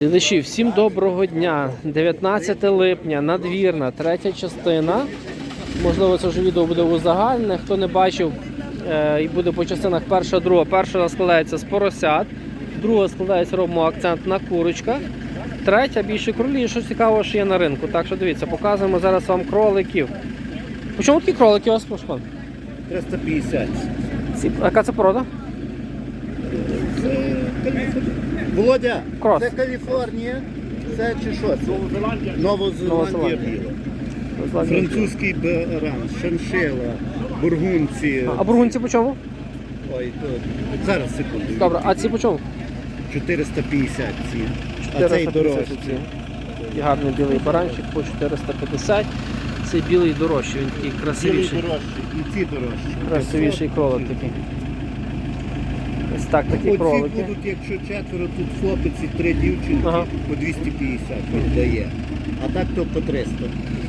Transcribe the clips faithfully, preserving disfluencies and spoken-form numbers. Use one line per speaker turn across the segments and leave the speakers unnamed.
Глядачі, всім доброго дня. дев'ятнадцяте липня, надвірна, третя частина. Можливо, це вже відео буде узагальне. Хто не бачив, і буде по частинах перша, друга. Перша складається з поросят, друга складається, робимо акцент на курочках. Третя більше кролі, що цікаво, що є на ринку. Так що дивіться, показуємо зараз вам кроликів. По чому такі кролики у вас, пан?
триста п'ятдесят.
А яка це порода?
Володя,
Крос.
це Каліфорнія, це чи що? Новозеландія. Новозеландія біла. Французький баран, шиншила, бургунці.
А бургунці по чому?
Ой, то... Зараз, секунду.
Добре, а ці по чому?
чотириста п'ятдесят ці. А цей дорожчий.
І гарний білий баранчик по чотириста п'ятдесят. Цей білий дорожчий, він такий красивіший.
Білий дорожчий і ці дорожчі.
Красивіший кролик такий. Ось так, такі
Оці
кролики.
будуть, якщо четверо, тут хлопець і три дівчинки,
Ага.
по двісті п'ятдесят він дає. А так то по триста.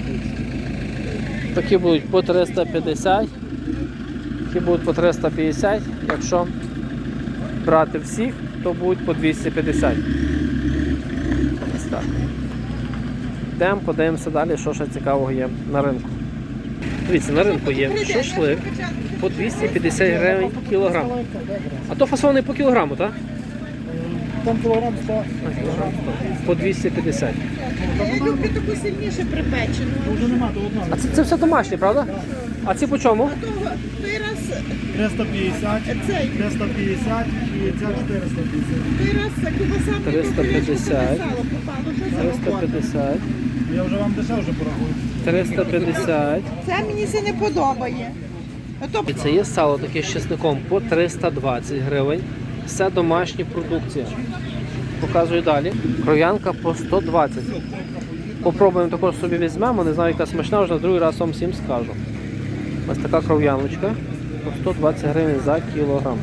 Такі будуть по триста п'ятдесят. Такі будуть по триста п'ятдесят. Якщо брати всіх, то будуть по двісті п'ятдесят. Ось так. Йдемо, подивимося далі, що ще цікавого є на ринку. Дивіться, на ринку є шашлик по двісті п'ятдесят гривень кілограм. А то фасований по кілограму, так?
Там кілограм сто.
По двісті п'ятдесят.
Я люблю таку сильніше припечену.
Вже нема, то одна.
А це, це все домашнє, правда? А ці по чому?
А того той раз,
триста п'ятдесят,
цей,
триста п'ятдесят і ця чотириста п'ятдесят.
той раз кубаса
триста п'ятдесят.
сало попало. Що за
триста п'ятдесят.
Я вже вам дешевше порахую.
триста п'ятдесят.
Це мені це не подобає. А то
І це є сало таке з чесником по триста двадцять гривень. Все домашня продукція. Показую далі. Кров'янка по сто двадцять. Попробуємо також собі візьмемо. Не знаю, яка смачна, вже на другий раз вам всім скажу. Ось така кров'яночка по сто двадцять гривень за кілограм.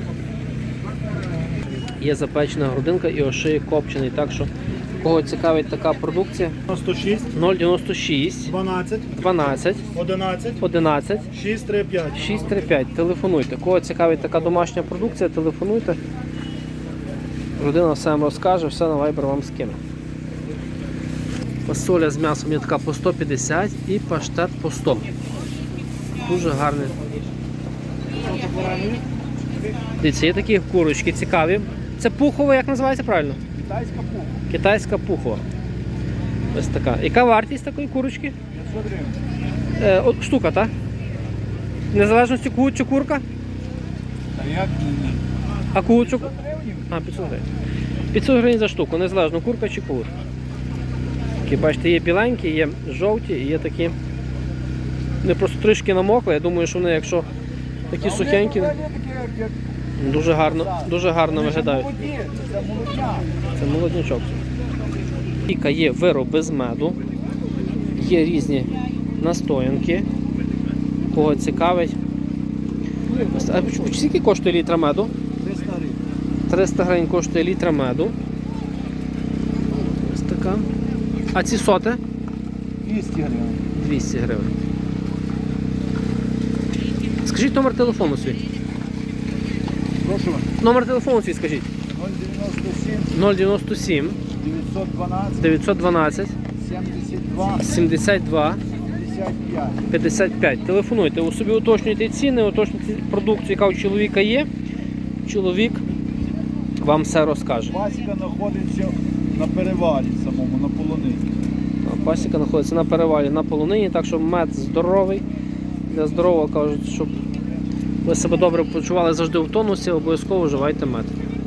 Є запечена грудинка і ошиє копчений. Так що, кого цікавить така продукція,
сто шість,
нуль дев'яносто шість,
дванадцять,
дванадцять,
одинадцять,
одинадцять,
шість три п'ять.
шість три п'ять. Телефонуйте. Кого цікавить така домашня продукція, телефонуйте. Родина все вам розкаже, все на Viber вам скине. Фасоля з м'ясом є така по сто п'ятдесят і паштет по сто. Дуже гарний. Дивіться, є такі курочки цікаві. Це пухова, як називається правильно?
Китайська пуха.
Китайська пухова. Ось така. Яка вартість такої курочки?
п'ятсот гривень.
Е, от, штука, так? Незалежності кут чи курка?
А як?
А курочок? А, п'ятсот гривень. п'ятсот гривень за штуку, незалежно курка чи курка. Такі, бачите, є біленькі, є жовті і є такі. Вони просто трішки намокли. Я думаю, що вони, якщо такі сухенькі, дуже гарно, дуже гарно виглядають.
Це молодня.
Це молоднячок. Піка є вироби з меду, є різні настоянки. Кого цікавить. А скільки коштує літра меду?
триста гривень.
триста гривень коштує літра меду. Ось така. А ці соти?
двісті гривень.
двісті гривень. Скажіть номер телефону свій.
Прошу вас.
Номер телефону свій скажіть.
нуль дев'яносто сім,
нуль дев'яносто сім,
дев'ятсот дванадцять,
дев'ятсот дванадцять,
сімдесят два,
сімдесят два,
п'ятдесят п'ять.
п'ятдесят п'ять. Телефонуйте, у собі уточнюйте ціни, уточнюйте продукцію, яка у чоловіка є. Чоловік вам все розкаже.
Пасіка знаходиться на перевалі самому, на полонині.
Пасіка знаходиться на перевалі на полонині, так що мед здоровий. Для здорового кажуть, щоб ви себе добре почували завжди в тонусі, обов'язково вживайте мед.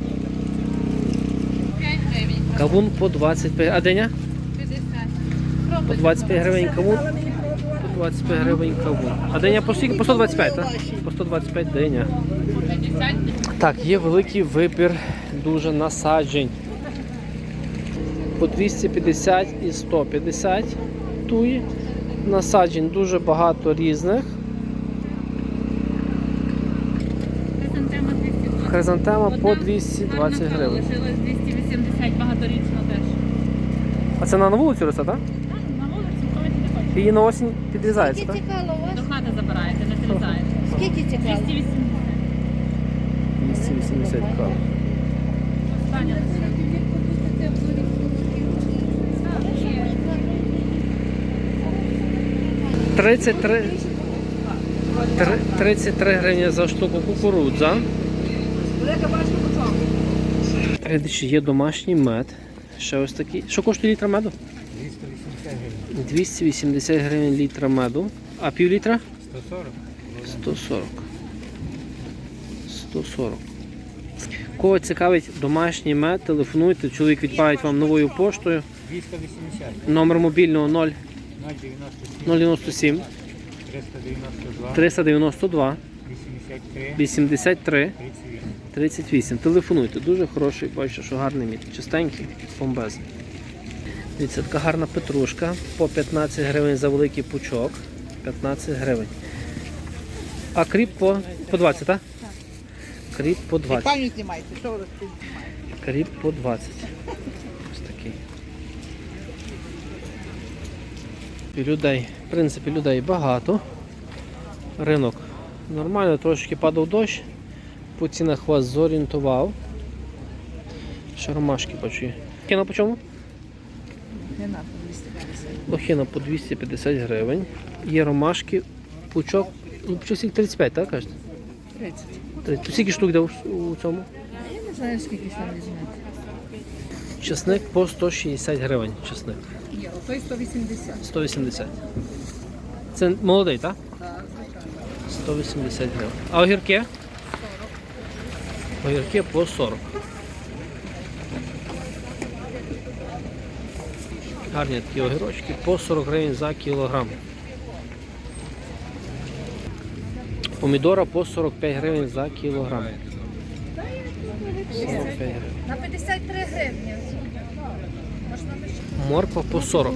Кавун по двадцять п'ять. А диня? По двадцять п'ять гривень кавун. По двадцять п'ять гривень кавун. А диня по скільки? По сто двадцять п'ять, так? По сто двадцять п'ять диня. Так, є великий вибір дуже насаджень. По двісті п'ятдесят і сто п'ятдесят туї. Насаджень дуже багато різних. Хризантема по двісті двадцять гривень.
Лишилось двісті вісімдесят, багаторічно теж.
А це на вулицю росте, так?
Так, на вулиці, коли не хочете.
Її на осінь підрізається,
Скільки
так?
цікаво у вас?
До хати забираєте, не зрізаєте.
Скільки цікаво?
двісті вісімдесят.
двісті вісімдесят кав.
Остання лише.
тридцять три, три- тридцять три гривні за штуку кукурудза. Глядачі, є домашній мед. Ще ось такий. Що коштує літра меду? двісті вісімдесят гривень літра меду. А пів літра? сто сорок. сто сорок. Кого цікавить домашній мед, телефонуйте, чоловік відправить вам новою поштою.
двісті вісімдесят,
Номер мобільного нуль
нуль дев'яносто сім,
дев'яносто сім
триста дев'яносто два,
триста дев'яносто два
вісімдесят три,
вісімдесят три
тридцять вісім.
тридцять вісім. Телефонуйте, дуже хороший, бачите, що гарний мід, чистенький, бомбезний. Дивіться, така гарна петрушка, по п'ятнадцять гривень за великий пучок, п'ятнадцять гривень. А кріп по, по двадцять, так? Кріп по двадцять.
Паню знімайте, що ви тут?
Кріп по двадцять. Ось такий. І людей, в принципі, людей багато. Ринок нормально, трошки падав дощ. По цінах вас зорієнтував. Ще ромашки бачу є. Лохина по чому? Лохина по двісті п'ятдесят гривень. Є ромашки, пучок, ну пучок скільки тридцять п'ять, так кажете?
тридцять.
тридцять. Скільки штук йде у, у цьому?
Я не знаю, скільки там візьмете.
Чесник по сто шістдесят гривень. Чесник.
Ні, отой сто вісімдесят.
сто вісімдесят. Це молодий, так? Так, сто вісімдесят гривень. А огірки? Огірки по сорок. Гарні такі огірочки по сорок гривень за кілограм. Помідора по сорок п'ять гривень за кілограм. сорок п'ять гривень.
На п'ятдесят три гривні.
Морква по сорок.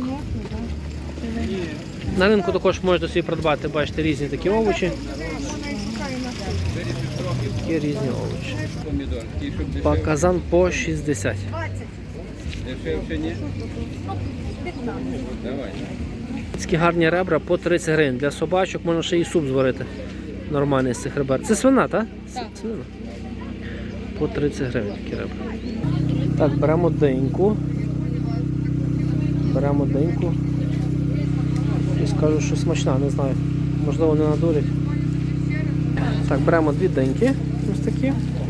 На ринку також можете собі придбати, бачите, різні такі овочі. Такі різні овочі. Баклажан по шістдесят. Такі гарні ребра по тридцять гривень. Для собачок можна ще і суп зварити. Нормальний з цих ребер. Це свина, так? Так. Свина. По тридцять гривень такі ребра. Так, беремо деньку. Беремо деньку. І скажу, що смачна, не знаю. Можливо, не надурять. Так, беремо дві деньки. Ось такі.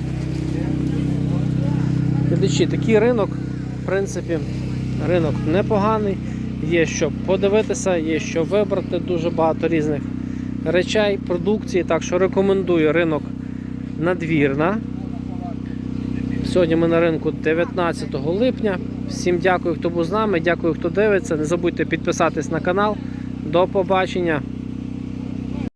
Глядачі, такий ринок, в принципі, ринок непоганий. Є що подивитися, є що вибрати, дуже багато різних речей, продукції. Так що рекомендую ринок Надвірна. Сьогодні ми на ринку дев'ятнадцятого липня. Всім дякую, хто був з нами, дякую, хто дивиться. Не забудьте підписатись на канал. До побачення!